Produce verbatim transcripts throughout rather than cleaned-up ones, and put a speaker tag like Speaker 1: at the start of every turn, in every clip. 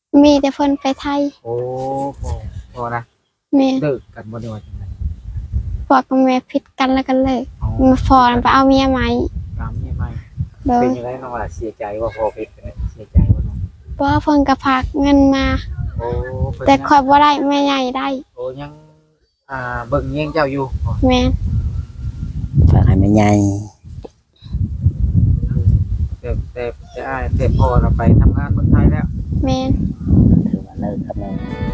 Speaker 1: มีแต่เพิ่นไปไทย
Speaker 2: โอ้พอพอนะ
Speaker 1: แม่
Speaker 2: เลิกกันบ่ได้ว่าจังได๋
Speaker 1: พ่อกับแม่ผิดกันแล้วกันเลย
Speaker 2: อ๋อ
Speaker 1: มาพอไปเอาเมียใหม่
Speaker 2: ตามนี้ไหม
Speaker 1: โดย
Speaker 2: เป็นจังได๋น้องล่ะเสียใจว่าพอผิดกันเนี่ยเสียใจบ่น้อง
Speaker 1: เพราะว่าเพิ่นก็ฝากเงินมา
Speaker 2: โอ้เพิ่น
Speaker 1: แต่
Speaker 2: ยัง
Speaker 1: คอยบ่ได้แม่ใหญ่ได้
Speaker 2: โอ้ยังอ่าเบิ่งเยียงเจ้าอยู่อ๋อ
Speaker 1: แม่น
Speaker 3: ฝากให้แม่ใหญ่
Speaker 2: แต่แต่แต่อ้ายแต่พ่อเราไปทำงานเมืองไทยแล้ว
Speaker 1: แม่น
Speaker 3: ถือว่าเลิกกับแม่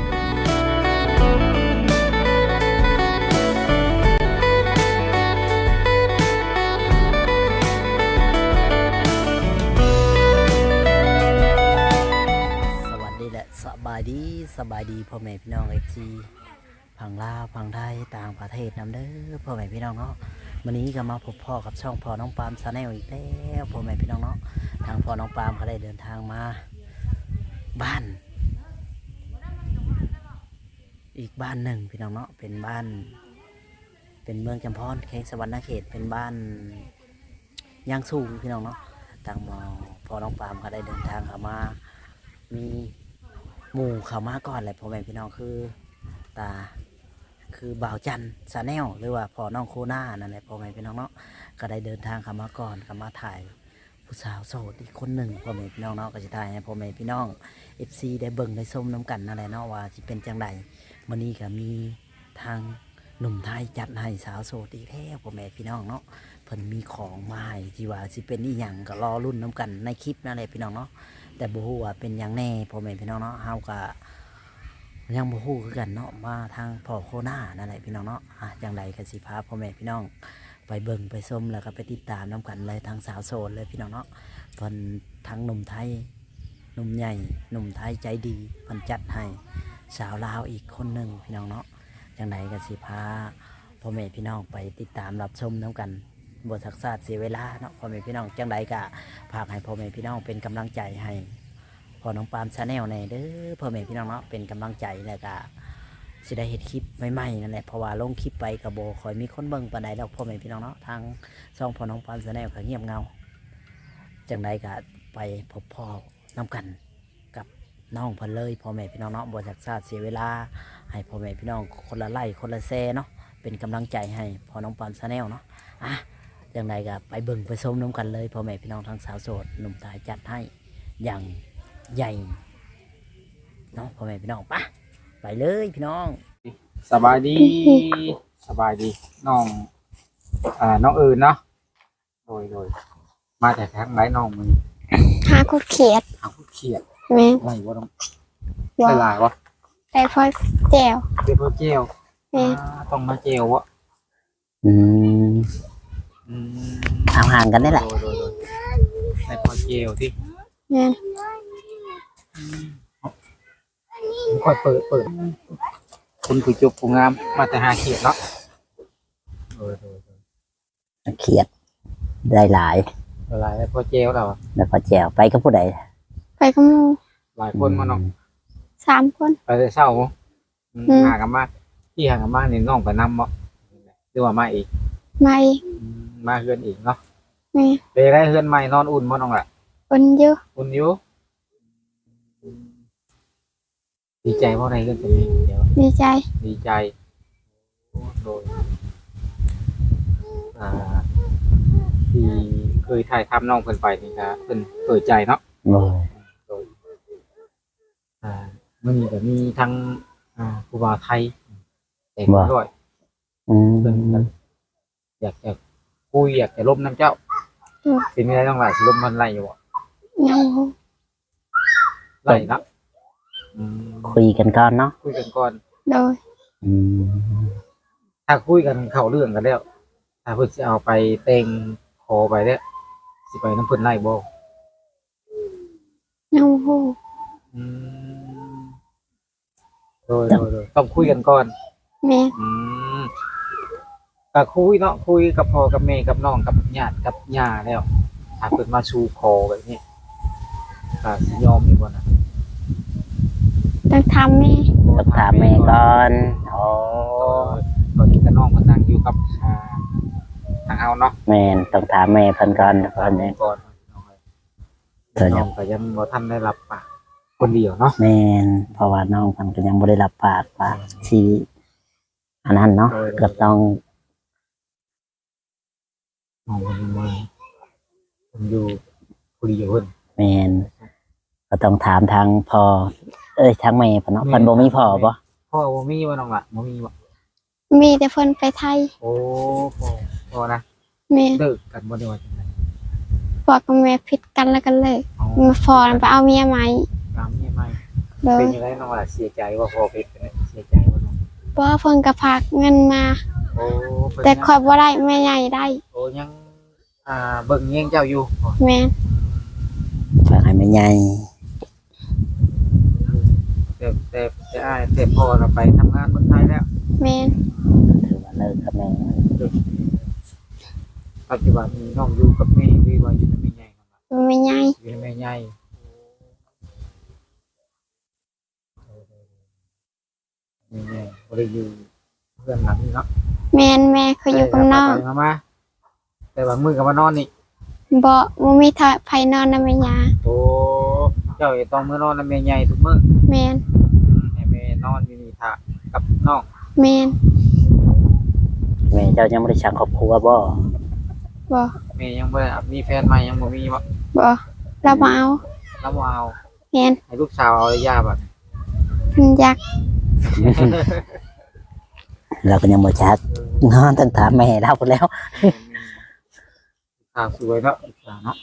Speaker 3: สวัสดีและสบายดีสบายดีพ่อแม่พี่น้องเอฟซีพังลาวพังไทยต่างประเทศนำเด้อพ่อแม่พี่น้องเนาะวันนี้ก็มาพบพ่อกับช่องพ่อน้องปามชาแนลอีกแล้วพ่อแม่พี่น้องเนาะทางพ่อน้องปามก็ได้เดินทางมาบ้านอีกบ้านหนึ่งพี่น้องเนาะเป็นบ้านเป็นเมืองจำพรเขตสวรรณเขตเป็นบ้านย่างสูงพี่น้องเนาะทางพ่อน้องปามก็ได้เดินทางเข้ามามีหมู่เข้ามาก่อนแหละพ่อแม่พี่น้องคือตาคือบ่าวจันชาแนลหรือว่าพ่อน้องโคน่านั่นแหละพ่อแม่พี่น้องเนาะก็ได้เดินทางเข้ามาก่อนเข้ามาถ่ายผู้สาวโสดอีกคนหนึ่งพ่อแม่พี่น้องเนาะก็จะถ่ายให้พ่อแม่พี่น้องเอฟซีได้เบิ่งได้ชมน้ำกันนั่นแหละเนาะว่าจะเป็นจังไดวันนี้ก็มีทางหนุ่มไทยจัดให้สาวโสดอีกแล้วพ่อแม่พี่น้องเนาะเพิ่นมีของมาให้ที่ว่าสิเป็นอีหยังก็รอรุ่นน้ำกันในคลิปนั่นแหละพี่น้องเนาะแต่บ่ฮู้ว่าเป็นหยังแน่พ่อแม่พี่น้องเนาะเฮาก็ยังบ่ฮู้คือกันเนาะมาทางพ่อโคน่านั่นแหละพี่น้องเนาะอ่ะจังไดก็สิพาพ่อแม่พี่น้องไปเบิ่งไปชมแล้วก็ไปติดตามน้ำกันเลยทางสาวโสดเลยพี่น้องเนาะเพิ่นทั้งหนุ่มไทยหนุ่มใหญ่หนุ่มไทยใจดีเพิ่นจัดให้สาวลาวอีกคนหนึ่งพี่น้องเนาะจังไดก็สิพาพ่อแม่พี่น้องไปติดตามรับชมน้ำกันบทศักษาเสียเวลาเนาะพ่อแม่พี่น้องจังไดก็ฝากให้พ่อแม่พี่น้องเป็นกำลังใจให้พ่อน้องปามชาแนลในเด้อพ่อแม่พี่น้องเนาะเป็นกำลังใจแล้วก็สิได้เห็นคลิปใหม่ๆนั่นแหละเพราะว่าลงคลิปไปกับโบคอยมีคนเบิ่งปานใดดอกพ่อแม่พี่น้องเนาะทางช่องพ่อน้องปามชาแนลก็เงียบเงาจังไดก็ไปพบพ่อน้ำกันกับน้องเพิ่นเลยพ่อแม่พี่น้องเนาะบทศักษาเสียเวลาให้พ่อแม่พี่น้องคนละไล่คนละแซ่เนาะเป็นกำลังใจให้พ่อน้องปามชาแนลเนาะอ่ะอย่างไรก็ไปเบิ่งไปชมน้ำกันเลยพ่อแม่พี่น้องทางสาวโสดหนุ่มตายจัดให้อย่างใหญ่เนาะพ่อแม่พี่น้องปะไปเลยพี่น้อง
Speaker 2: สบายดีสบายดีน้องอ่าน้องอื่นเนาะโดยโดยมาแต่ทางไหนน้องมึง
Speaker 1: หาคุดเขียด
Speaker 2: ทางผู้เขียด
Speaker 1: แม่น
Speaker 2: ไรวะน้องได้หลายวะ
Speaker 1: แต่พอแจว
Speaker 2: เดี๋ยวพอเจล
Speaker 1: แม่น
Speaker 2: ต้องมาเจลวะ
Speaker 3: อืม
Speaker 2: อืม
Speaker 3: เอาห่างกันได้แหละ
Speaker 2: โดยโดยโดยในพอเจลที่
Speaker 1: แม่น
Speaker 2: ค่อยเปิดเปิดคุณผู้จบผู้งามมาแต่หาเขียดเนาะโดยโดยโดย
Speaker 3: เขียดได้หลาย
Speaker 2: หลายแล้วพอเจลแล้ว
Speaker 3: แล้วพอแจวไปกับผู้ใด
Speaker 1: ไปกับหมู่
Speaker 2: หลายคนมาน้อง
Speaker 1: สามคน
Speaker 2: ไปแต่เช้าหากันมาที่หากันมานี่น้องไปนำบ่หรือว่ามาอีก
Speaker 1: มาอีก
Speaker 2: มาเฮือนอีกเนาะ
Speaker 1: แม่
Speaker 2: ไปได้เฮือนใหม่นอนอุ่นบ่น้องล่ะ
Speaker 1: อุ่นอยู่
Speaker 2: อุ่นอยู่ดีใจเพราะอะไรเฮือนตัวนี้เดี๋ยว
Speaker 1: ดีใจ
Speaker 2: ดีใจโดยอ่าที่เคยถ่ายทำน้องเพิ่นไปนี่ก็เพิ่นเปิดใจเนาะโดยอ่ามื้อนี้ก็มีทั้งอ่าผู้บ่าวไทยแต่งด้วย
Speaker 3: อืม
Speaker 2: เพิ่นอยากจะคุยอยากจะล้มน้ำเจ้าเป็นไงน้องล่ะสิล้มมันไล่อยู่บ่
Speaker 1: ยัง
Speaker 2: ไล่นะ
Speaker 3: คุยกันก่อนเนาะ
Speaker 2: คุยกันก่อน
Speaker 1: โดย
Speaker 2: ถ้าคุยกันเข้าเรื่องกันแล้วถ้าเพิ่นสิเอาไปเต็งขอไปแล้วสิไปน้ำเพิ่นไล่บ่
Speaker 1: ยังฮู้
Speaker 2: อืมโดยโดยต้องคุยกันก่อน
Speaker 1: แม่
Speaker 2: อืมก็คุยเนาะคุยกับพ่อกับแม่กับน้องกับญาติกับย่าแล้วถ้าเพิ่นมาชูคอแบบนี้ก็สิยอมอยู่บ่นะ
Speaker 1: ต้องทำแม่
Speaker 3: ต้องถามแม่ก่อนโอ้
Speaker 2: ตอนนี้ก็น้องเพิ่นนั่งอยู่กับอ่าทางเฮาเนาะ
Speaker 3: แม่นต้องถามแม่เพิ่นก่อนเพิ่นนี่
Speaker 2: ก่อนน้องก็ยังบ่ทันได้รับปากคนเดียวเนาะ
Speaker 3: แม่นเพราะว่าน้องเพิ่นก็ยังบ่ได้รับปากว่าสิอันนั้นเนาะก็ต้อง
Speaker 2: น้องคนมาผมอยู่คนเดียวเพิ่น
Speaker 3: แม่นก็ต้องถามทางพ่อเอ้ยทางแม่เพิ่นเนาะเพิ่นบ่มีพ่อบ่
Speaker 2: พ่อบ่มีบ่น้องล่ะบ่มีบ่
Speaker 1: มีแต่เพิ่นไปไทย
Speaker 2: โอ้พ่อพ่อนะ
Speaker 1: แม่
Speaker 2: เลิกกันบ่ได้ว่าจังได๋
Speaker 1: พ่อกับแม่ผิดกันแล้วกันเลย
Speaker 2: อ๋อ
Speaker 1: มาฟอนไปเอาเมียใหม่
Speaker 2: ตามนี่ไม่
Speaker 1: โดย
Speaker 2: เป็นยังไงน้องล่ะเสียใจว่าพ่อเป็นจังได๋เสียใจบ่น้อง
Speaker 1: เพราะว่าเพิ่นก็ฝากเงินมา
Speaker 2: โอ้เพิ่น
Speaker 1: แต่
Speaker 2: ยัง
Speaker 1: คอยบ่ได้แม่ใหญ่ได้
Speaker 2: โอ้ยังอ่าเบิ่งแยงเจ้าอยู่
Speaker 1: แม่น
Speaker 3: ฝากให้แม่ใหญ่
Speaker 2: แต่แต่แต่อ้ายแต่พ่อน่ะไปทำงานเมืองไทยแล้ว
Speaker 1: แม่น
Speaker 3: ถือว่าเลิกกับแม่
Speaker 2: ปัจจุบันนี้น้องอยู่กับแม่หรือว่าอยู่กับแม่ใหญ่น้องล่ะ
Speaker 1: แม่ใหญ่
Speaker 2: อยู่กับแม่ใหญ่แม่ใหญ่บ่ได้อยู่เพื่อนหลังนี้เนาะ
Speaker 1: แม่นแม่เขาอยู่กับน้อง
Speaker 2: ไปมามาแต่ว่ามือกับมานอนนี่
Speaker 1: บ่บ่มีทาไผนอนนำแม่ยา
Speaker 2: โอ้เจ้าต้องมือนอนแล้วแม่ใหญ่ทุกมื้อ
Speaker 1: แม่น
Speaker 2: ให้แม่นอนอยู่นี่ท่ากับน้อง
Speaker 1: แม่น
Speaker 3: แม่เจ้ายังบ่ได้สร้างครอบครัวบ่
Speaker 1: บ่
Speaker 2: แม่ยังบ่ได้มีแฟนใหม่ยังบ่มีบ่
Speaker 1: บ่เราบ่เอา
Speaker 2: แล้วบ่เอา
Speaker 1: แม่น
Speaker 2: ให้ลูกสาวเอาระยะบัด
Speaker 1: เพิ่นอยาก
Speaker 3: เราก็ยังบ่ชักนอนต้องถามแม่เราพุ่นแล้ว
Speaker 2: สาวสวยเนาะลูกสาวเนาะ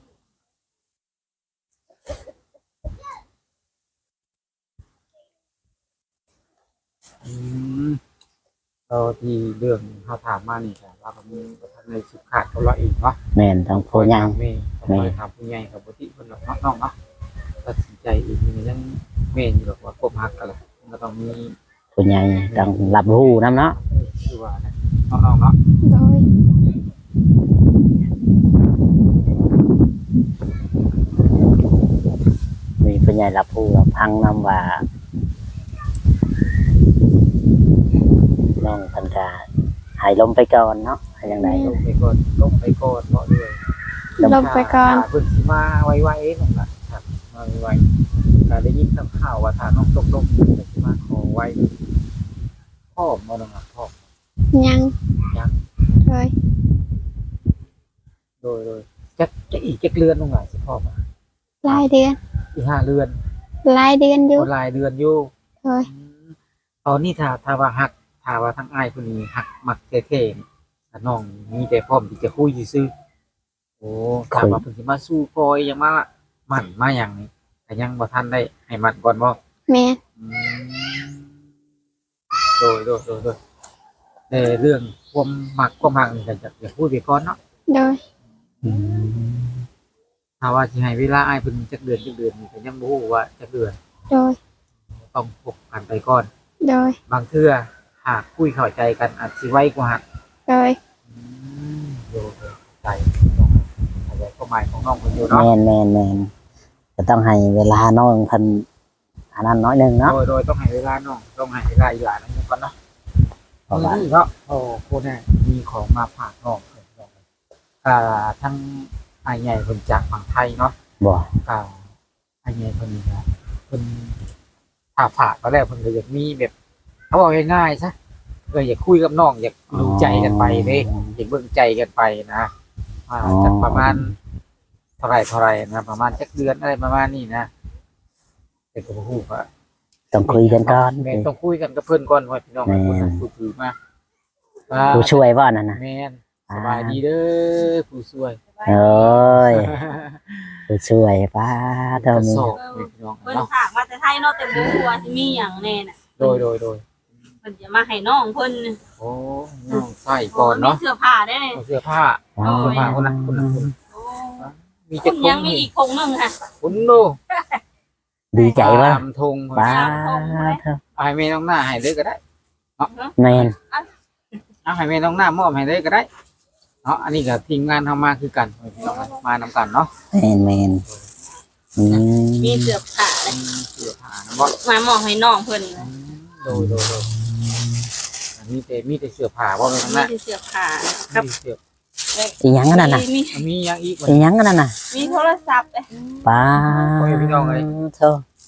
Speaker 2: อืมเราที่เรื่องเขาถามมานี่ค่ะเราก็มีประธานในสุขาดเขาละอีกเนาะ
Speaker 3: แม่นต้องผู้ใหญ่
Speaker 2: แม่ต้องไปถามผู้ใหญ่กับบุตรคนหลักน้องเนาะตัดสินใจอีกนี่ยังแม่อยู่หรอกว่าควบหักกันแหละมันก็ต้องมี
Speaker 3: ผู้ใหญ่ต้องรับรู้นำเนาะ
Speaker 2: คือว่านะน้องๆเนาะ
Speaker 1: โดย
Speaker 3: มีผู้ใหญ่รับรู้รับฟังนำว่าน้องเพิ่นก็ให้ลมไปก่อนเนาะให้จังได๋
Speaker 2: ลงไปก่อนลงไปก่อนเพราะด้วย
Speaker 1: ลงไปก่อน
Speaker 2: เพิ่นสิมาไวๆน้องล่ะครับมาไวๆก็ได้ยินข่าวว่าถ้าน้องตกลงเพิ่นสิมาขอไว้พ่อบ่น้องล่ะพ่อ
Speaker 1: ยัง
Speaker 2: ยัง
Speaker 1: โดย
Speaker 2: โดยโดยจักจะอีกจักเรือนน้องล่ะสิพ่อมา
Speaker 1: หลายเดือน
Speaker 2: อีกห้าเรือน
Speaker 1: หลายเดือนอยู่
Speaker 2: คนหลายเดือนอยู่
Speaker 1: โดย
Speaker 2: ตอนนี้ถ้าถ้าว่าหักถ้าว่าทั้งอ้ายผู้นี้หักมักเท่ๆถ้าน้องมีแต่พร้อมที่จะคุยซื่อๆโอ้ถ้าว่าเพิ่นสิมาสู้คอยยังมาหมั่นมาหยังนี่ก็ยังบ่ทันได้ให้มันก่อนบ่
Speaker 1: แม่น
Speaker 2: อืมโดยโดยโดยโดยแต่เรื่องความมักความหักนี่ก็จะอย่าพูดไปก่อนเนาะ
Speaker 1: โดย
Speaker 3: อืม
Speaker 2: ถ้าว่าสิให้เวลาอ้ายเพิ่นจักเดือนจักเดือนนี่ก็ยังบ่ฮู้ว่าจักเดือน
Speaker 1: โดย
Speaker 2: ต้องพบกันไปก่อน
Speaker 1: โดย
Speaker 2: บางเทื่อหากคุยเข้าใจกันอาจสิไวกว่าหัก
Speaker 1: โดย
Speaker 2: อืมโดยใจอะไรก็หมายของน้องคนอยู่เนาะ
Speaker 3: แม่นแม่นแม่นก็ต้องให้เวลาน้องเพิ่นอันนั้นน้อยหนึงเนาะ
Speaker 2: โดยโดยต้องให้เวลาน้องต้องให้เวลาอีหลานนั่นก่อนเนาะ
Speaker 3: เพราะว่า
Speaker 2: นี่เนาะโอ้โคเนี่ยมีของมาฝากน้องเพิ่นน้องอ่าทั้งไอ้ใหญ่คนจากฝั่งไทยเนาะ
Speaker 3: บ่
Speaker 2: อ่าไอ้ใหญ่คนนี้นะเพิ่นถ้าฝากก็แล้วเพิ่นก็อยากมีแบบเขาบอกง่ายๆซะเอออยากคุยกับน้องอยากดูใจกันไปเด้อยากเบิ่งใจกันไปนะอ่าจากประมาณ เท่าไรเท่าไรนะประมาณจักเดือนอะไรประมาณนี้นะแต่ก็บ่ฮู้ว่า
Speaker 3: ต้องคุยกันก่อน
Speaker 2: แม่นต้องคุยกันกับเพิ่นก่อนว่าพี่น้อง
Speaker 3: แม่น
Speaker 2: คนนั้นผู้ถือมาอ่า
Speaker 3: ผู้ช่วยว่านั่นน่ะ
Speaker 2: แม่นสบายดีเด้อผู้ช่วย
Speaker 3: โอ้ยผู้ช่วยป้าเท่านี้
Speaker 2: กระสอบแม่พี่น้อง
Speaker 4: เพิ่น
Speaker 2: เนาะ
Speaker 4: ฝากมาแต่ไทยเนาะแต่บ่ฮู้ว่าสิมีหยังแน่น่ะ
Speaker 2: โดยโดยโดย
Speaker 4: เพิ่นจะมาให้น้องเพิ่น
Speaker 2: โอ้น้องใส่ก่อนเนาะ
Speaker 4: มีเสื้อผ้าได้นี่
Speaker 2: เอาเสื้อผ้า
Speaker 3: อ๋อ
Speaker 2: เสื้อผ้าคนละคนละคนละ
Speaker 4: โอ้
Speaker 2: มี
Speaker 4: คุ
Speaker 2: จัก
Speaker 4: ณ
Speaker 2: ท
Speaker 4: ยัง
Speaker 2: ง
Speaker 4: มี
Speaker 2: นี่
Speaker 4: อีกคงหนึงค่ะ
Speaker 2: คุณโน
Speaker 3: ดีใจว่า
Speaker 2: ตามธง
Speaker 3: ป้า
Speaker 4: เพิ่น
Speaker 2: เอาให้แม่น้องหน้าให้เลยก็ได้
Speaker 3: แม่น
Speaker 2: เอาให้แม่น้องหน้ามอบให้เลยก็ได้เนาะอันนี้ก็ทีมงานทำมาคือกันพี่น้องมานำกันเนาะ
Speaker 3: แม่นแม่นอืม
Speaker 4: มีเสื้อผ้าเลย
Speaker 2: เสื้อผ้านะบ่
Speaker 4: มามอบให้น้องเพิ่น
Speaker 2: โดยโดยโดยอันมีแต่มีแต่เสื้อผ้าบ่แม่น
Speaker 4: มี
Speaker 2: นะ
Speaker 4: แต่เสื้อผ้ากับ
Speaker 2: มีเสื้อ
Speaker 3: อีหยังอันนั้นน่ะ
Speaker 4: มี
Speaker 2: มีหยังอีกบ่
Speaker 3: อีหยังอันนั้นน่ะ
Speaker 4: มีโทรศัพท์เลย
Speaker 3: ป้า
Speaker 2: โอ้ยพี่น้องเอ้ย
Speaker 3: โธ่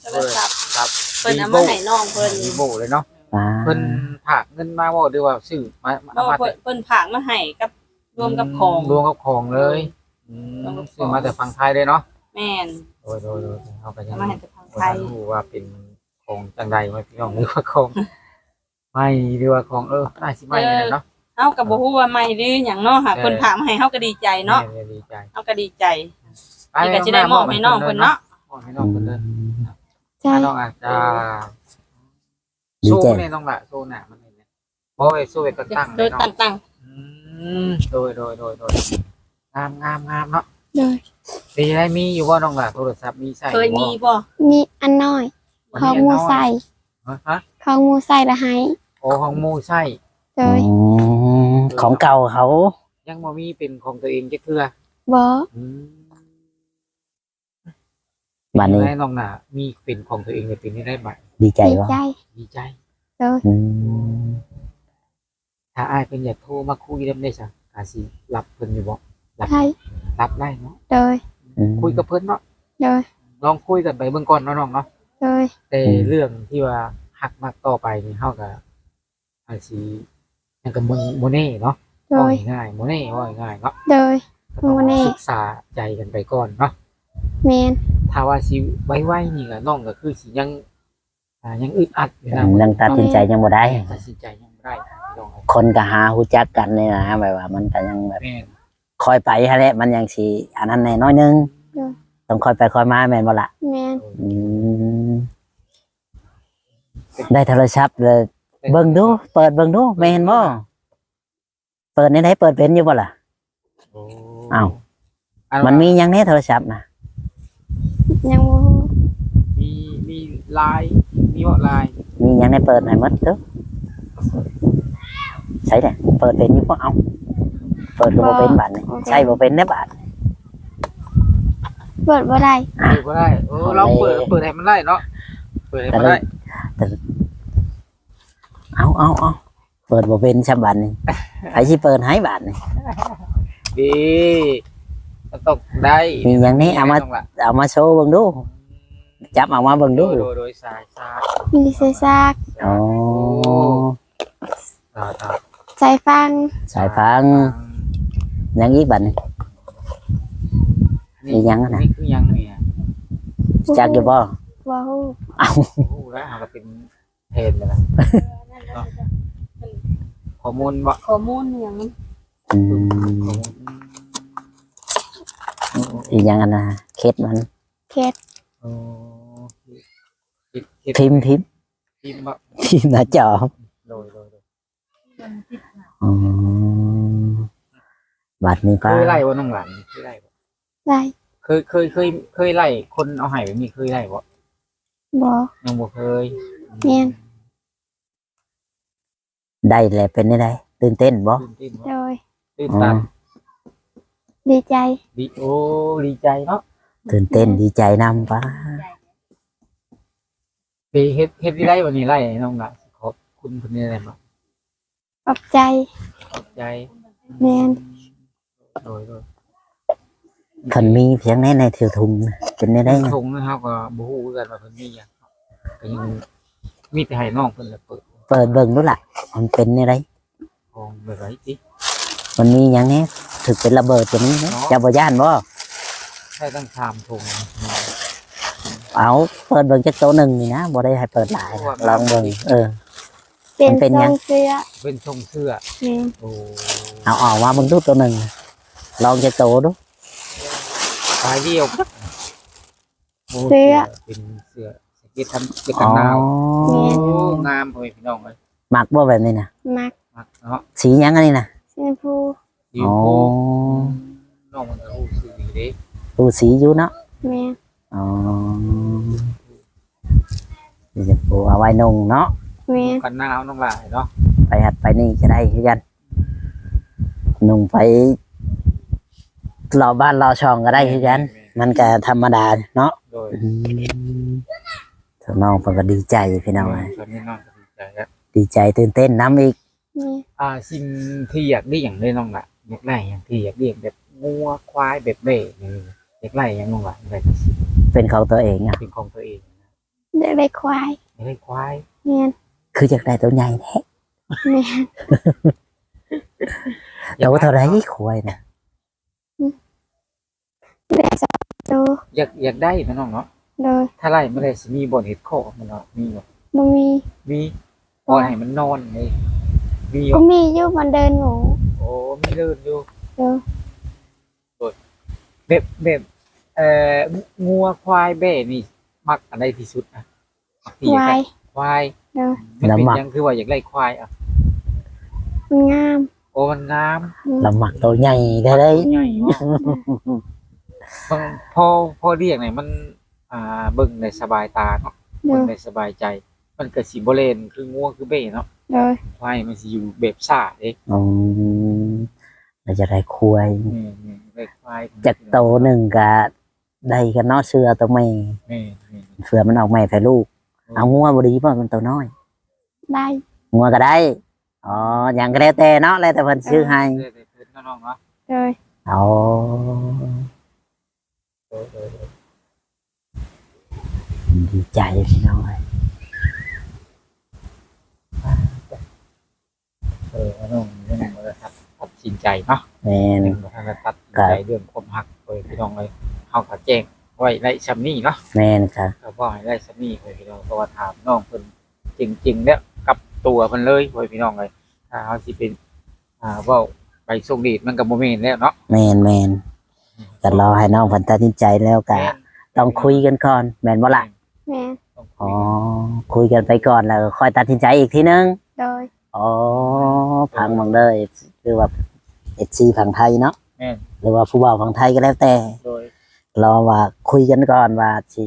Speaker 4: โทรศัพท์
Speaker 2: ครับ
Speaker 4: เพิ่นเอามาให้น้องเพิ่น
Speaker 2: มีโบเลยเนาะ
Speaker 3: อ่า
Speaker 2: เพิ่นฝากเงินมาบ่หรือว่าซื้อมา
Speaker 4: เพ
Speaker 2: เอา
Speaker 4: ราะ
Speaker 2: มา
Speaker 4: ว่า
Speaker 2: แต่
Speaker 4: เพิ่นเพิ่นฝากมาให้กับรวมกับของ
Speaker 2: รวมกับของเลยอืม
Speaker 4: รวมกับของ
Speaker 2: ซื้อมาแต่ฝั่งไทยเลยเนาะ
Speaker 4: แม่น
Speaker 2: โดยโดยโดยเอาไปยั
Speaker 4: เอา
Speaker 2: ง
Speaker 4: มาให้แต่ทาง
Speaker 2: บ่
Speaker 4: ไทย
Speaker 2: รู้ว่าเป็นของจังใดไหมพี่น้องหรือว่าของไม่หรือว่าของเออน่าสิไม่นี่แหละเนาะ
Speaker 4: เฮาก็บ่ฮู้ว่าใหม่หรือหยังเนาะค่ะ
Speaker 2: เออ
Speaker 4: เพิ่นฝากมาให้เฮาก็ดีใจเนาะ
Speaker 2: แม่ดีใจ
Speaker 4: เฮาก็ดีใจนี่ก็สิได้มอบให้น้องเพิ่นเนาะ
Speaker 2: มอบให้น้องเพิ่นเลย
Speaker 1: ใจ
Speaker 2: ถ้าน้องอาจจะ
Speaker 3: ดี
Speaker 2: สู้
Speaker 3: ใจ
Speaker 2: เนี่ยน้องละสู้หน้ามันเนี่ยเพราะไอ้สู้ไอ้ก็ตั้ง
Speaker 4: โด
Speaker 2: เลย
Speaker 4: ย
Speaker 2: เนาะ
Speaker 4: ตั้ง
Speaker 2: อืมโดยโดยโดยโดยงามงามงามเนาะ
Speaker 1: โดย
Speaker 2: ดีได้มีอยู่ว่าน้องละโทรศัพท์มีใส่
Speaker 4: ๆเคยมีบ่
Speaker 1: มีอันน้อย
Speaker 2: บ่
Speaker 1: ของหมูใส่
Speaker 2: ฮะ
Speaker 1: ของหมูใส่ละให้
Speaker 2: โอ้ของหมูใส่
Speaker 1: โดย
Speaker 3: อืมของเก่าเขา
Speaker 2: ยังบ่มีเป็นของตัวเองจักเทื่อ
Speaker 1: บ่
Speaker 2: อืม
Speaker 3: บัดนี้
Speaker 2: ได้น้องน่ะมีเป็นของตัวเองในปีนี้ได้บัตร
Speaker 3: ดีใจ
Speaker 1: ดี
Speaker 3: บ่
Speaker 1: ใจ
Speaker 2: ดีใจ
Speaker 1: โดย
Speaker 3: อืม
Speaker 2: ถ้าอ้ายเป็นอยากโทรมาคุยได้ได้จ้ะอาสิรับเพิ่นอยู่บ่รับ
Speaker 1: ใช่
Speaker 2: รับได้เนาะ
Speaker 1: โดย
Speaker 3: อืม
Speaker 2: คุยกับเพิ่นเนาะ
Speaker 1: โดย
Speaker 2: ลองคุยกันไปเบื้องก่อนเนาะน้องเนาะ
Speaker 1: โดย
Speaker 2: แต่เรื่องที่ว่าหักมากต่อไปนี่เฮาก็อาจสิยังกับโมเน่เนาะ
Speaker 1: โด
Speaker 2: ว่าย ง่ายๆโมเน่ว่าง่ายๆเนาะ
Speaker 1: โดย
Speaker 2: ก็ต้อง
Speaker 1: โมเน่
Speaker 2: ศึกษาใจกันไปก่อนเนาะ
Speaker 1: แมน
Speaker 2: ถ้าว่าสิไว้ๆนี่ก็น้องก็คือสิยังอ่ายังอึดอัดอยู่นะ
Speaker 3: ยังตัดสินใจยังบ่ได้
Speaker 2: ตัดสินใจยังบ่ได้พี่น้อง
Speaker 3: คนก็หาฮู้จักกันนี่นะแบบว่ามันก็ยังแบบ
Speaker 2: แม่น
Speaker 3: คอยไปฮะแหละมันยังสิอันนั้นแน่น้อยนึงต้องคอยไปคอยมาแม่นบ่ล่ะ
Speaker 1: แมน
Speaker 3: อืมได้โทรศัพท์เลยเบิ่งดูเปิดเบิ่งดูแม่นบ่เปิดในไหนเปิดเป็นอยู่บ่ล่ะ
Speaker 2: โอ้
Speaker 3: อ้าว
Speaker 2: อั
Speaker 3: มันมีหยังแน่โทรศัพท์นะ
Speaker 1: ยังบ่ฮู้
Speaker 2: มีมีไลน์มีว่าไลน์
Speaker 3: มีหยังในเปิดให้หมดเด้อใช่เด้อเปิดเป็นอยู่บ่เอาเปิดก็บ่เป็นบาดนี่ใช่บ่เป็นเด้อบาด
Speaker 1: เปิดบ่ได้
Speaker 2: เปิดก็ได้เออเราเปิดเปิดให้มันได้เนาะเปิดให้มันได้
Speaker 3: เอาเอาเอาเปิดบ่เป็นฉบับนี่ไผสิเปิดให้บาดนี่
Speaker 2: ดีมันต้องได้
Speaker 3: มีหยังนี่เอามา
Speaker 2: ต้องละ
Speaker 3: เอามาโชว์เบิ่งดูจับเอามาเบิ่ง
Speaker 2: โด
Speaker 3: ดู
Speaker 2: ยโดยโดยสายสาย
Speaker 1: มีเสซาก
Speaker 3: อ๋อ
Speaker 2: สายสาย
Speaker 1: ใจฟัง
Speaker 3: สายฟังหยังอีกบาดนี่ มียังอะนะ
Speaker 2: นี่คือยังเนี่ย
Speaker 3: จักอยู่บ่
Speaker 1: บ่ฮู้
Speaker 3: เอา
Speaker 2: โอ้โหแล้วเราเป็นเพนเลยนะข้อมูลบ่
Speaker 4: ข้อมูลหยัง
Speaker 3: อืมอีกอย่างอันนะเคสมัน
Speaker 1: เคส
Speaker 2: โอ้คิดคิด
Speaker 3: พิมพ์พิมพ์
Speaker 2: พิมพ์บ่
Speaker 3: พิมพ์หน้าจอ
Speaker 2: โดยโดยโดย
Speaker 3: อ๋อบัตรนี้
Speaker 2: เค
Speaker 3: ป้าย
Speaker 2: ไล่ว่าน้องหลานเคยไล่บ่
Speaker 1: ได้
Speaker 2: เคยเคยเคยเคยไล่คนเอาไห้แบบนี้เคยไล่บ่
Speaker 1: บ่
Speaker 2: ยังบ่เคย
Speaker 1: แม่น
Speaker 3: ได้แหละเป็นได้ไดตื่นเต้นบ่
Speaker 2: ตื่นเต้นบ่
Speaker 1: โดย
Speaker 2: ตื่น
Speaker 3: อ๋อ
Speaker 2: ตัน
Speaker 1: ดีใจ
Speaker 2: ดีโอ้ดีใจเนาะ
Speaker 3: ตื่นเต้นดีใจนำป้า
Speaker 2: ไปเฮ็ดเฮ็ดที่ไล่วันนี้ไล่น้องหลานขอบคุณเพิ่นได้บ่
Speaker 1: ขอบใจ
Speaker 2: ขอบใจ
Speaker 1: แม่น
Speaker 2: โดยโดย
Speaker 3: คันมีเพียงในในถือถุงน่ะเป็นได้ได้ไง
Speaker 2: ทงนะครับก็บ่ฮู้คือกันว่าเพิ่นมีหยังก็ยังมีแต่ให้น้องเพิ่นละเปิด
Speaker 3: เปิดเบิ่งดูล่ะ มันเป็นได้ได
Speaker 2: ของแบบไรติ
Speaker 3: มันมีอย่างนี้ถึกเป็นระเบิดจะนี้นะจะบ่ย่านบ่
Speaker 2: ใช่ตั้งชามทง
Speaker 3: เอาเปิดเบิ่งจักโตวหนึงนี่นะบ่ได้ให้เปิดหลายนะลองเบิ่งเออ
Speaker 1: เป็น
Speaker 3: มันเป็น
Speaker 1: ท
Speaker 3: ยั
Speaker 1: รง งเสื้อ
Speaker 2: เป็นทรงเสื้อ
Speaker 1: แม่น
Speaker 2: โอ้
Speaker 3: เอาออกมาเบิ่งดูตัวหนึงลองจักโตวดู
Speaker 2: สายเดียวโ
Speaker 1: เสื้อ
Speaker 2: เป็นเสื้อสเก็ตทำเสื้อ
Speaker 3: อ๋
Speaker 2: กั
Speaker 3: อน
Speaker 2: หนาว
Speaker 1: แม่น
Speaker 2: โอ้งามพ่อแม่พี่น้องเลย
Speaker 3: มักบ่แบบนี้น่ะ
Speaker 1: มัก
Speaker 2: มักเนาะ
Speaker 3: สีหยังอันนี้น่ะ
Speaker 1: ชมพู
Speaker 2: ดี
Speaker 3: อ๋อ
Speaker 2: โอ้น้องมันก็รู้สึกดีเด้
Speaker 3: ดูสีอยู่เนาะ
Speaker 1: แม่น
Speaker 3: อ๋อสีชมพูเอาไว้นุ่งเนาะ
Speaker 1: แม่น
Speaker 2: กันหนาวน้องหลายเนาะ
Speaker 3: ไปหัดไปนี่ก็ได้คือกันนุ่งไปรอบ้านรอช่องก็ได้คือกัน มันก็ธรรมดาเนาะ
Speaker 2: โดย
Speaker 3: อืมถ้าน้องเพิ่นก็ดีใจพี่น้องเอ้ย
Speaker 2: ตอนนี้น้องก็ดีใจแล้ว
Speaker 3: ดีใจตื่นเต้นน้ำอีก
Speaker 1: แม่น
Speaker 2: อ่าสิ่งที่อยากได้อย่างได้น้องละอยากได้อย่างที่อยากเลี้ยงแบบงัวควายแบบเบ้นี่อยากได้อย่างน้องละแบบ
Speaker 3: เป็นของตัวเองอ่ะ
Speaker 2: เป็นของตัวเองนะ
Speaker 1: เด็กได้ควาย
Speaker 2: เฮ้ยควาย
Speaker 1: แม่น
Speaker 3: คือจากได้ตัวใหญ่แท้
Speaker 1: แม่น
Speaker 3: ตัวเท่าไรควายนะ
Speaker 1: ได้สองตัว
Speaker 2: อยากอยากได้นะน้องเนาะ
Speaker 1: โดย
Speaker 2: ถ้าไล่ไม่ได้สิมีบ่อนเห็ดข้อมันเนาะมีบ่
Speaker 1: บ่มี
Speaker 2: มีพอให้มันนอนเลยมีอยู่
Speaker 1: ก็มีอยู่มันเดินหมู
Speaker 2: โอ้ไม่เลื่อนอยู่
Speaker 1: เด้อ
Speaker 2: แบบแบบเอ่องัวควายแบ่นี่มักอันใดที่สุดนะที่
Speaker 1: ค
Speaker 2: อยาก
Speaker 1: วา
Speaker 2: ได้
Speaker 1: ย
Speaker 2: ควาย
Speaker 1: เด้อ
Speaker 2: มันเป็นหยังคือว่าอยากได้ควายอ่ะ
Speaker 1: มันงาม
Speaker 2: โอ้มันงาม
Speaker 3: เราหมักตัวใหญ่ได้เลย
Speaker 2: ใหญ่เนาะบางพอพอเรียกเนี่ยมัน อ่าเบิ่งในสบายตาเนาะ
Speaker 1: เด้
Speaker 2: เบิ่
Speaker 1: อง
Speaker 2: ในสบายใจ มันก็สิบ่เล่นคืองัวคือเบ้เนาะ
Speaker 1: เด้อ
Speaker 2: ควายมันสิอยู่แบบซ่าเด้
Speaker 3: อืมเราจะได้ควาย
Speaker 2: นี่นี่ได้ควาย
Speaker 3: จากโตหนึ่งก็ได้กันเนาะเสื้อตัวแม่
Speaker 2: นี่นี่
Speaker 3: เสือมันออกแม่แพ้ลูกเอางัวบดีป่ะมันตัวน้อย
Speaker 1: ได้
Speaker 3: งัวก็ได้อ๋ออย่างก็แล้วแต่เนาะแล้วแต่เพิ่นซื้อให้
Speaker 2: เด้อเด้อน้องๆเนาะ
Speaker 1: เด้อ
Speaker 3: อ๋อ
Speaker 2: เออเออเออ
Speaker 3: ดีใจพี่น้องเอ้ย
Speaker 2: เออน้องน้องบ่ได้ตัดตัดสินใจเนาะ
Speaker 3: แม่น
Speaker 2: หนึ่งบ่ทันได้ตัดสินใจเรื่องความรักเอ้ยพี่น้องเอ้ยเฮาก็แจ้งไว้ในซัมนี้เนาะ
Speaker 3: แม่นค่ะ
Speaker 2: ก็บ่ให้ได้ซัมนี้เอ้ยพี่น้องเพราะว่าถามน้องเพิ่นจริงๆเนี่ยกับตัวเพิ่นเลยเอ้ยพี่น้องเอ้ยถ้าเฮาสิเป็นอ่าเว้าไปส่งดีดมันก็บ่แม่นแล้วเนาะ
Speaker 3: แม่นแม่นก็รอให้น้องเพิ่นตัดสินใจแล้วก็
Speaker 2: แม่น
Speaker 3: ต้องคุยกันก่อนแม่นบ่ล่ะ
Speaker 1: แม่น
Speaker 2: ต้องคุ
Speaker 3: อ๋
Speaker 2: ย
Speaker 3: อ
Speaker 2: กัน
Speaker 3: คุยกันไปก่อนแล้วก็ค่อยตัดสินใจอีกทีนึง
Speaker 1: โดย
Speaker 3: อ๋อพังบังเลยคือว่าเอซีฝั่งไทยเนาะ
Speaker 2: แม่น
Speaker 3: หรือว่าผู้บ่าวฝั่งไทยก็แล้วแต่
Speaker 2: โดย
Speaker 3: รอว่าคุยกันก่อนว่าสิ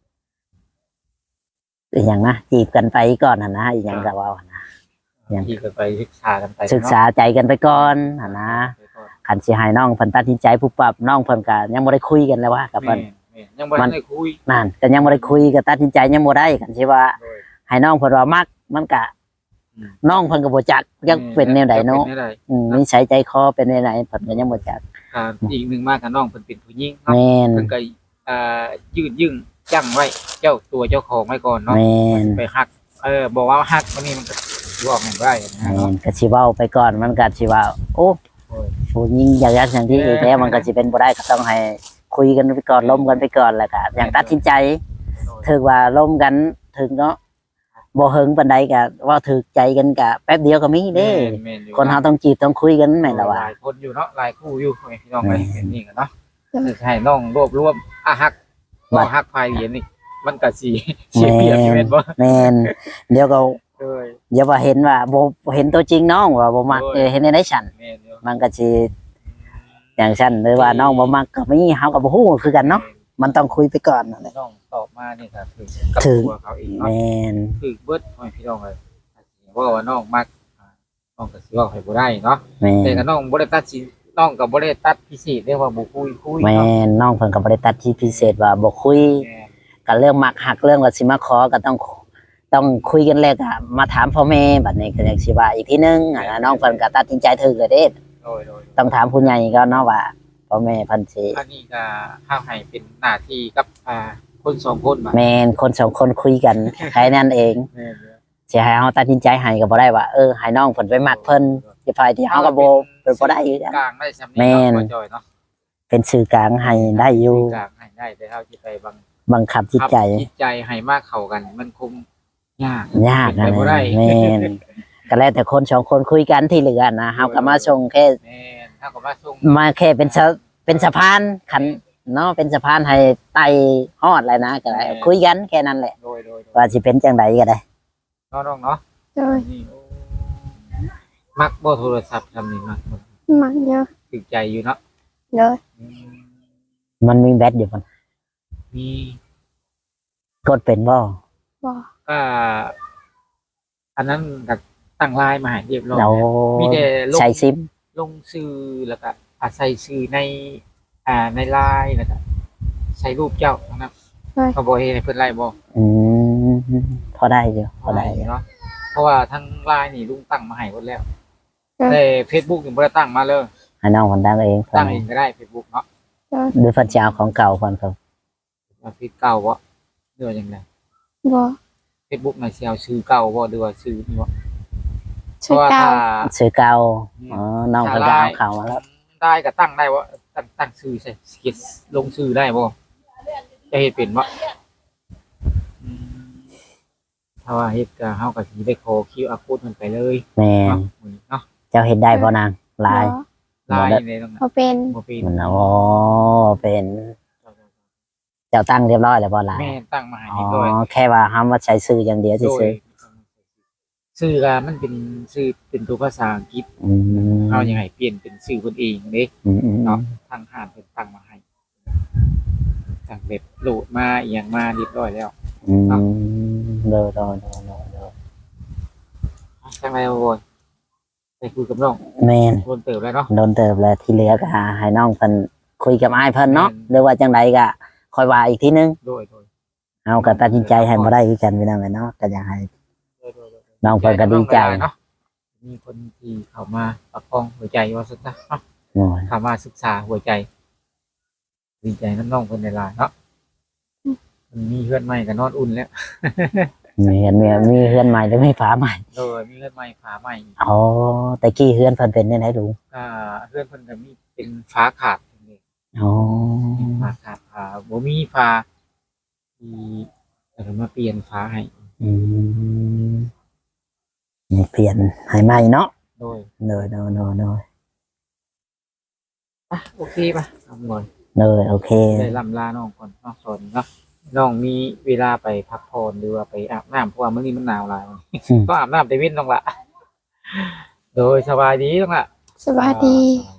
Speaker 3: อหย่างนะจีบกันไปก่อนหั่นนะอีกอย่างก็ว่าหั่นนะ ยัง
Speaker 2: ที่ก็ไปศึกษากันไป
Speaker 3: ศึกษาใจกันไปก่อนหั่นนะคันสิให้น้องเพิ่นตัดสินใจผู้ปรับน้องเพิ่นก็ยังบ่ได้คุยกันเลยว่ากับ
Speaker 2: แม่
Speaker 3: เพิ่น
Speaker 2: นแม่นยังบ่ทันได้คุย
Speaker 3: นั่นก็ยังบ่ได้คุยก็ตัดสินใจยังบ่ได้คันสิว่า
Speaker 2: โดย
Speaker 3: ให้น้องเพิ่นว่ามักมันก็
Speaker 2: อืม
Speaker 3: น้องเพิ่นก็บ่จักยังเป็นแนวใดเนาะ
Speaker 2: ป็แวใด
Speaker 3: อืมนิสัยใจคอเป็นแนวไหนเพิ่นก็ยังบ่จัก
Speaker 2: อ่าอีกหนึ่งมากกับน้องเพิ่นเป็นผู้หญิงเนาะ
Speaker 3: แม่น
Speaker 2: เพิ่นก็อ่ายืดยึ่งจังไว้เจ้าตัวเจ้าของไว้ก่อนเนาะ
Speaker 3: แม่น
Speaker 2: ไปฮักเออบอกว่าฮักวันนี้มันก็บอกไม่ได้นะ
Speaker 3: แม่
Speaker 2: เนาะ
Speaker 3: นก็สิเว้าไปก่อนมันก็สิว่าโอ้
Speaker 2: โอ้ย
Speaker 3: ผู้หญิงอยากยักอย่างที่อีกแล้วมันก็สิเป็นบ่ได้ก็ต้องให้คุยกันไปก่อนล้มกันไปก่อนแล้วก็อย่างตัดสินใจถึงว่าล้มกันถึงเนาะบ่หึงปานใดก็ว่าถึกใจกันก็แป๊บเดียวก็มีเด้
Speaker 2: แม่นอยู่
Speaker 3: คนเฮาต้องจีบต้องคุยกันแม่นล่ะว่า
Speaker 2: หลายคนอยู่เนาะหลายคู่อยู่พี่น้องไป
Speaker 3: แม่น
Speaker 2: เห็นนี่กันเนาะจะให้น้องรวบรวมอ่ะฮักบ่ฮักภายเหรียญนี่มันก็สิเสียเปรียบอยู่แม่นบ่
Speaker 3: แม่นเดี๋ยวก็
Speaker 2: เอ้ย
Speaker 3: เดี๋ยวว่าเห็นว่าบ่เห็นตัวจริงน้องว่าบ่มัก
Speaker 2: โอ้ย
Speaker 3: เออเห็นในได้ฉัน
Speaker 2: แม่นอยู่
Speaker 3: มันก็สิอย่างฉันหรือว่าน้องบ่มักก็มีเฮาก็บ่ฮู้คือกันเนาะมันต้องคุยไปก่อนนั่นแหละ
Speaker 2: น้องตอบมานี่ก็คือกับ
Speaker 3: ถึง
Speaker 2: ตัวเขาเองเนาะ
Speaker 3: แม่น
Speaker 2: คือเบิดให้พี่น้องเลยว่าว่าน้องมักอ่าน้องก็สิเว่าให้บ่ได้เนาะ
Speaker 3: แม่
Speaker 2: แต่
Speaker 3: น
Speaker 2: ก็น้องบ่ได้ตัดสินน้องก็บ่ได้ตัดพิเศษเรียกว่าบ่คุยคุย
Speaker 3: แม่
Speaker 2: เนาะ
Speaker 3: นน้องเพิ่นก็บ่ได้ตัดที่พิเศษว่าบ่คุย
Speaker 2: แม่น
Speaker 3: ก็เรื่องมักหักเรื่องว่าสิมาขอก็ต้องต้องคุยกันแล้วก็มาถามพ่อแม่บัดนี้ก็จังสิว่าอีกทีนึงอ่าน้องเพิ่นก็ตัดสินใจถูกแล้วเด้
Speaker 2: โดยโดย
Speaker 3: ต้องถามผู้ใหญ่ก็เนาะว่าพ่อแม่เพิ่นสิ
Speaker 2: อันนี้ก็ห้าให้เป็นหน้าที่กับอ่าคนสองคนมา
Speaker 3: แม่นคนสองคนคุยกันแค่นั้นเอง
Speaker 2: แม่นเด้อ
Speaker 3: สิให้เฮาตัดสินใจให้ก็บ่ได้ว่าเออให้น้องเพิ่นไปมักเพิ่นสิไปที่เฮาก็บ่เป็นบ่ได้คือกัน
Speaker 2: กลางได้ซำ
Speaker 3: แม่
Speaker 2: นี้
Speaker 3: น
Speaker 2: เนาะบ่จอยเนาะ
Speaker 3: เป็นสื่อกลางให้ได้อยู่
Speaker 2: กลางให้ได้แต่เฮาสิไปบัง
Speaker 3: บังคับจิตใจ
Speaker 2: จิตใจให้มากเข้ากัน มันคงยาก
Speaker 3: ยาก
Speaker 2: เป็
Speaker 3: นะ
Speaker 2: นไปบ่ได้
Speaker 3: แม่นก็แล้วแต่คนสองคนคุยกันที่เหลือนะเฮาก็มาส่งแค่
Speaker 2: แม่นเฮาก็มาส่ง
Speaker 3: มาแค่เป็นสะเป็นสะพานขันเนาะเป็นสะพานให้ไต่ฮอดอะไรนะก็ได้คุยกันแค่นั้นแหละ
Speaker 2: โดยโดยโดย
Speaker 3: ว่าสิเป็นจังไดก็ได้
Speaker 2: น้องๆเนาะ
Speaker 1: โดย
Speaker 2: นี่โอ้มักบ่โทรศัพท์ทำนี่มักบ่
Speaker 1: มักเยอะ
Speaker 2: ถึกใจอยู่เนาะ
Speaker 1: โดย
Speaker 2: อืม
Speaker 3: มันมีแบตอยู่มัน
Speaker 2: มี
Speaker 3: กดเป็นบ่
Speaker 1: บ่
Speaker 2: ก็อันนั้นก็ตั้งไลน์มาให้เรียบร้อย
Speaker 3: เรา
Speaker 2: มีแต่ลง
Speaker 3: ใช้ซิม
Speaker 2: ลงชื่อแล้วก็อาศัยชื่อใน อ่าในไลน์แล้วก็ใช้รูปเจ้านะครับเขาบอกให้เพิ่นไล่บ่
Speaker 3: อืมพอได้อยู่พอได้อยู่
Speaker 2: เนาะเพราะว่าทั้งไลน์นี่ลุงตั้งมาให้หมดแล้วแต่ Facebook ยังบ่ได้ตั้งมาเลย
Speaker 3: ให้น้องคนตั้งเอง
Speaker 2: ตั้งเองก็ได้ Facebook เนาะ
Speaker 3: ดูฟันเจ้าของเก่าก่อนครับ
Speaker 2: ว่าพี่เก่าบ่เรื่องจังได
Speaker 1: บ่
Speaker 2: Facebook น่ะสิเอาชื่อเก่าบ่หรือว่าชื่อนี่บ่
Speaker 1: ชื่อเก่า
Speaker 3: ชื่อเก่าอ๋อน้องเพิ่นก็เอาเข้ามาแล้ว
Speaker 2: ได้ก็ตั้งได้บ่ตั้งตั้งชื่อใช่เขียนลงชื่อได้บ่จะเฮ็ดเป็นบ่อืมถ้าว่าเฮ็ดก็เฮาก็สิได้ขอ คิว อาร์ code มันไปเลย
Speaker 3: แม่น
Speaker 2: เนาะเนาะ
Speaker 3: เจ้าเฮ็ดได้บ่นางลาย
Speaker 2: ลายในตรงนั้น
Speaker 1: บ่เป็น
Speaker 2: บ่เป็น
Speaker 3: มันอ๋อเป็นเจ้าตั้งเรียบร้อยแล้วบ่ลาย
Speaker 2: แม่ตั้งมาให้
Speaker 3: อ๋อ
Speaker 2: เรียบร้อย
Speaker 3: แค่ว่าเฮามาใช้ชื่ออย่างเดียว
Speaker 2: โดย
Speaker 3: ซื่อ
Speaker 2: ชื่อก็มันเป็นชื่อเป็นตัวภาษาอังกฤษ
Speaker 3: ๆอืม
Speaker 2: เอายังไงเปลี่ยนเป็นชื่อคนเองเด้
Speaker 3: อืมอืม
Speaker 2: เนาะทางห้างเป็นตั้งมาให้สั่งเว็บโหลดมาอหย่างมาเรียบร้อยแล้ว
Speaker 3: อืมโดยโดยโดยโดยโดย
Speaker 2: ทางไรโว้ยไปคุยกับน้อง
Speaker 3: แม่น
Speaker 2: โดนเติบแล้วเนาะ
Speaker 3: โดนเติบแล้วที่เหลือก็ให้น้องเพิ่นคุยกับอ้ายเพิ่นเนาะ
Speaker 2: แม่น
Speaker 3: หรือว่าจังไดก็ค่อยว่าอีกทีนึง
Speaker 2: โดยโดย
Speaker 3: เอาก็ตัดสินใจให้บ่ได้คือกันพี่น้องเอ้ยเนาะก็อยากให้
Speaker 2: โดยโดยโดย
Speaker 3: น้องเพิ่นก็ดีใจ
Speaker 2: เนาะมีคนที่เข้ามาประคองหัวใจว่าสุดนะเนาะ
Speaker 3: โอ้ย
Speaker 2: เข้ามาศึกษาหัวใจ ดีใจน้องๆคนในลายเนาะมันมีเพื่อนใหม่กับนอนอุ่นแล้ว
Speaker 3: มีเฮือนมีมีเฮือนใหม่หรือมีฝาใหม่
Speaker 2: โดยมีเพื่อนใหม่ฝาใหม่
Speaker 3: อ๋อแต่กี้เฮือนเพิ่นเป็นจังไดลุง
Speaker 2: อ่าเพื่อนเพิ่นก็มีเป็นฟ้าขาดนี่
Speaker 3: อ๋อ
Speaker 2: ฟ้าขาดฟ้าบ่มีฟ้าที่แต่ก็มาเปลี่ยนฟ้าให้
Speaker 3: อืมนี่เปลี่ยนให้ใหม่เนาะ
Speaker 2: โดย
Speaker 3: โดยโดยโดยโดย
Speaker 2: อ่ะโอเคป่ะทำหน่อย
Speaker 3: โดยโอเค
Speaker 2: ได้ลำลาน้องก่อนเนาะสอนเนาะน้องมีเวลาไปพักผ่อนหรือว่าไปอาบน้ำเพราะว่ามื้อนี้มันหนาวหลายวัน
Speaker 3: อืม
Speaker 2: ก็อาบน้ำแต่เว้นต้องละโดยสบายดีต้องละ
Speaker 1: สวัสดี
Speaker 2: สบาย